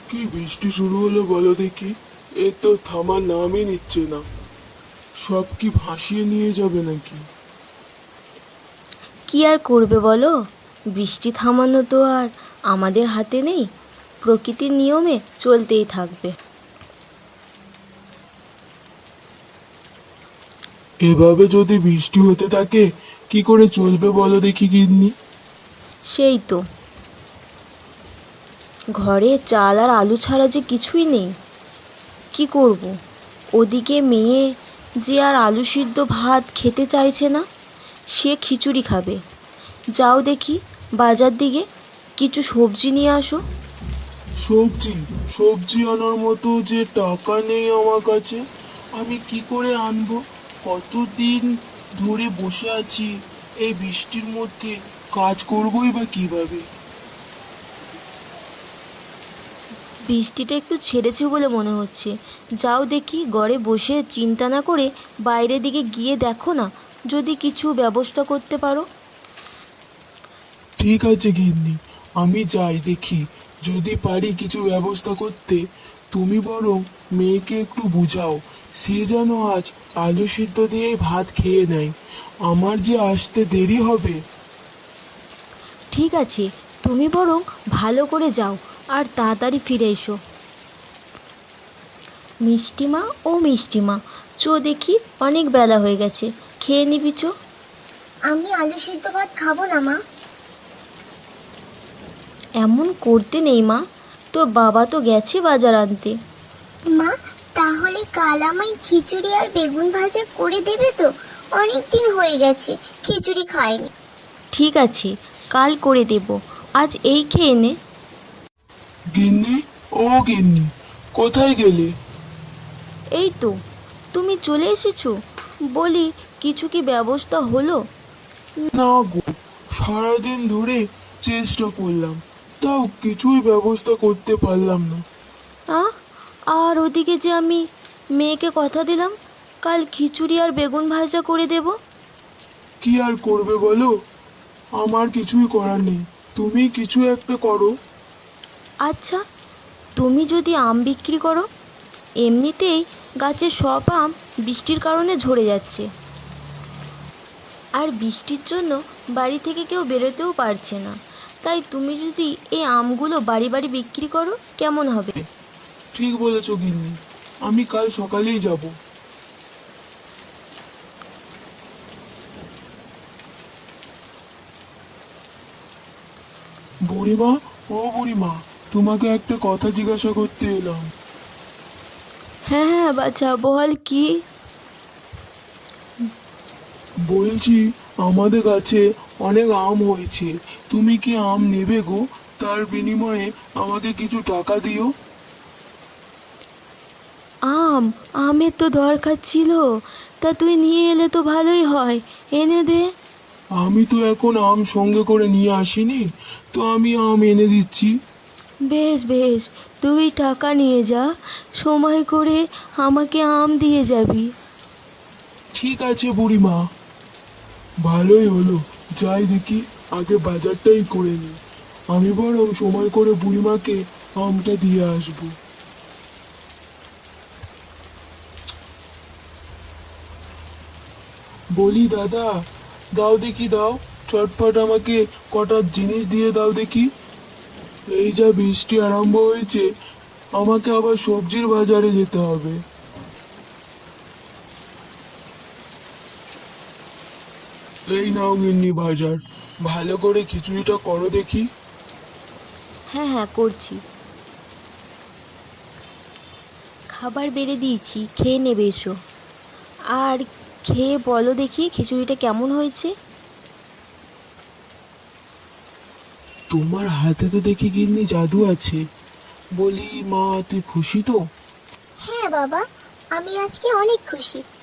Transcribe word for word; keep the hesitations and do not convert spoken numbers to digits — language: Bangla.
কি বৃষ্টি শুরু হলো বলো দেখি। এ তো থামার নামই নিচ্ছে না। সব কি ভাসিয়ে নিয়ে যাবে নাকি? কি আর করবে বলো, বৃষ্টি থামানো তো আর আমাদের হাতে নেই, প্রকৃতির নিয়মে চলতেই থাকবে। এভাবে যদি বৃষ্টি হতে থাকে কি করে চলবে বলো দেখি গিন্নি। সেই তো, ঘরে চাল আর আলু ছাড়া যে কিছুই নেই, কি করব। ওদিকে মেয়ে যে আর আলু সিদ্ধ ভাত খেতে চাইছে না, সে খিচুড়ি খাবে। যাও দেখি বাজার দিকে কিছু সবজি নিয়ে আসো। সবজি? সবজি আনার মতো যে টাকা নেই আমার কাছে। আমি কি করে আনবো? কতদিন ধরে বসে আছি এই বৃষ্টির মধ্যে, কাজ করবোই বা কিভাবে? বৃষ্টিটা একটু ছেড়েছে বলে মনে হচ্ছে। যাও দেখি ঘরে বসে চিন্তা না করে বাইরের দিকে গিয়ে দেখো না, যদি কিছু ব্যবস্থা করতে পারো। ঠিক আছে গিন্নি, আমি যাই দেখি যদি পারি কিছু ব্যবস্থা করতে। তুমি বরং মেয়েকে একটু বুঝাও, সে যেন আজ আলু সিদ্ধ দিয়ে ভাত খেয়ে নেয়। আমার যে আসতে দেরি হবে। ঠিক আছে, তুমি বরং ভালো করে যাও আর তাড়াতাড়ি ফিরে এসো। মিষ্টিমা ও মিষ্টিমা, চো দেখি অনেক বেলা হয়ে গেছে, খেয়ে নিবি চো। আমি আলু সিদ্ধ ভাত খাবো না মা। এমন করতে নেই মা, তোর বাবা তো গেছে বাজার আনতে। মা, তাহলে কাল আমায় খিচুড়ি আর বেগুন ভাজা করে দেবে তো? অনেক দিন হয়ে গেছে খিচুড়ি খাইনি। ঠিক আছে, কাল করে দেব, আজ এই খেয়ে নে। গিন্নি, ও গিন্নি, কোথায় গেলে? এই তো, তুমি চলে এসেছো। বলি, কিছু কি ব্যবস্থা হলো? না গো, সারাদিন ধরে চেষ্টা করলাম, তাও কিছুই ব্যবস্থা করতে পারলাম না। আহ, আর ওদিকে যে আমি মেয়েকে কথা দিলাম কাল খিচুড়ি আর বেগুন ভাজা করে দেব। কি আর করবে বলো, আমার কিছুই করার নেই। তুমি কিছু একটা করো। আচ্ছা, তুমি যদি আম বিক্রি করো, এমনিতেই গাছের সব আম বৃষ্টির কারণে ঝরে যাচ্ছে, আর বৃষ্টির জন্য বাড়ি থেকে কেউ বেরোতেও পারছে না। তাই তুমি যদি এই আমগুলো বাড়ি বাড়ি বিক্রি করো, কেমন হবে? ঠিক বলেছো গিন্নি, আমি কাল সকালেই যাব। বুড়িমা, ও বুড়িমা, তোমাকে একটা কথা জিজ্ঞাসা করতে এলাম। হ্যাঁ হ্যাঁ বাছা, বল কি? বলছি, আমাদের গাছে অনেক আম হয়েছে, তুমি কি আম নেবে গো? তার বিনিময়ে আমাকে কিছু টাকা দিও। আম? আমের তো দরকার ছিল, তা তুই নিয়ে এলে তো ভালোই হয়, এনে দে। আমি তো এখন আম সঙ্গে করে নিয়ে আসিনি, তো আমি আম এনে দিচ্ছি। বেশ বেশ, তুই টাকা নিয়ে যা, সময় করে আমাকে আম দিয়ে যাবি। ঠিক আছে বুড়িমা, ভালোই হলো। যাই দেখি, আগে বাজারটাই করে নিই। আমি বরং সময় করে বুড়িমাকে আমটা দিয়ে আসবো। বলি দাদা, দাও দেখি দাও, চটপট আমাকে কটা জিনিস দিয়ে দাও দেখি। এই যা বৃষ্টি আরম্ভ হয়েছে, আমাকে আবার সবজির বাজারে যেতে হবে। এই নাও গিন্নি বাজার, ভালো করে খিচুড়িটা করো দেখি। হ্যাঁ হ্যাঁ করছি, খাবার বেড়ে দিয়েছি, খেয়ে নেবে এসো। আর খেয়ে বলো দেখি খিচুড়িটা কেমন হয়েছে। তোমার হাতে তো দেখি গিন্নি জাদু আছে। বলি মা, তুই খুশি তো? হ্যাঁ বাবা, আমি আজকে অনেক খুশি।